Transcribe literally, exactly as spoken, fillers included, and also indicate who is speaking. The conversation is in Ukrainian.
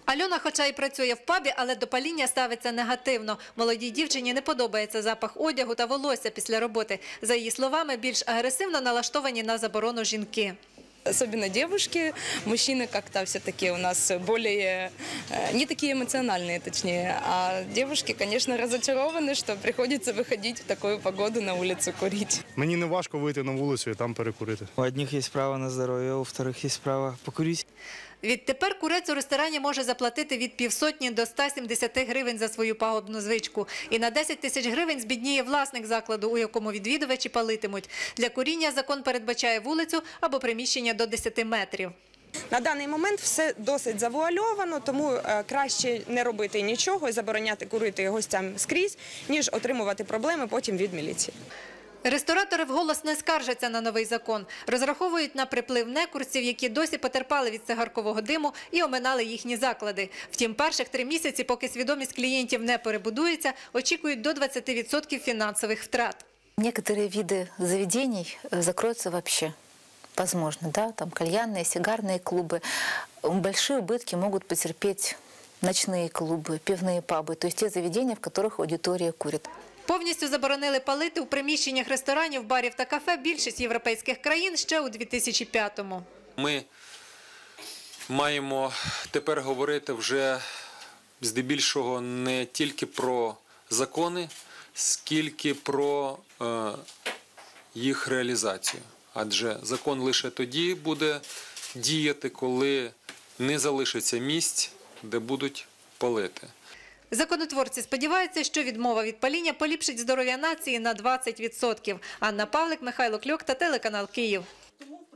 Speaker 1: Альона, хоча й працює в пабі, але до паління ставиться негативно. Молодій дівчині не подобається запах одягу та волосся після роботи. За її словами, більш агресивно налаштовані на заборону жінки.
Speaker 2: Особенно девушки, мужчины как-то все-таки у нас более, не такие эмоциональные, точнее. А девушки, конечно, разочарованы, что приходится выходить в такую погоду на улицу курить.
Speaker 3: Мені не важко вийти на вулицю і там перекурити.
Speaker 4: У одних є право на здоров'я, у вторих є право покурити.
Speaker 1: Відтепер курець у ресторані може заплатити від півсотні до ста сімдесяти гривень за свою пагубну звичку. І на десять тисяч гривень збідніє власник закладу, у якому відвідувачі палитимуть. Для куріння закон передбачає вулицю або приміщення до десяти метрів.
Speaker 5: На даний момент все досить завуальовано, тому краще не робити нічого і забороняти курити гостям скрізь, ніж отримувати проблеми потім від міліції.
Speaker 1: Ресторатори вголос не скаржаться на новий закон. Розраховують на приплив некурців, які досі потерпали від цигаркового диму і оминали їхні заклади. Втім, перших три місяці, поки свідомість клієнтів не перебудується, очікують до двадцяти відсотків фінансових втрат.
Speaker 6: Некоторые виды заведений закроются вообще. Возможно, да, там кальянные, сигарные клубы. Большие убытки могут потерпеть ночные клубы, пивные пабы, то есть те заведения, в которых аудитория курит.
Speaker 1: Повністю заборонили палити у приміщеннях ресторанів, барів та кафе більшість європейських країн ще у дві тисячі п'ятому.
Speaker 7: Ми маємо тепер говорити вже здебільшого не тільки про закони, скільки про е, їх реалізацію. Адже закон лише тоді буде діяти, коли не залишиться місць, де будуть палити.
Speaker 1: Законотворці сподіваються, що відмова від паління поліпшить здоров'я нації на двадцять відсотків. Анна Павлик, Михайло Кльок та телеканал Київ.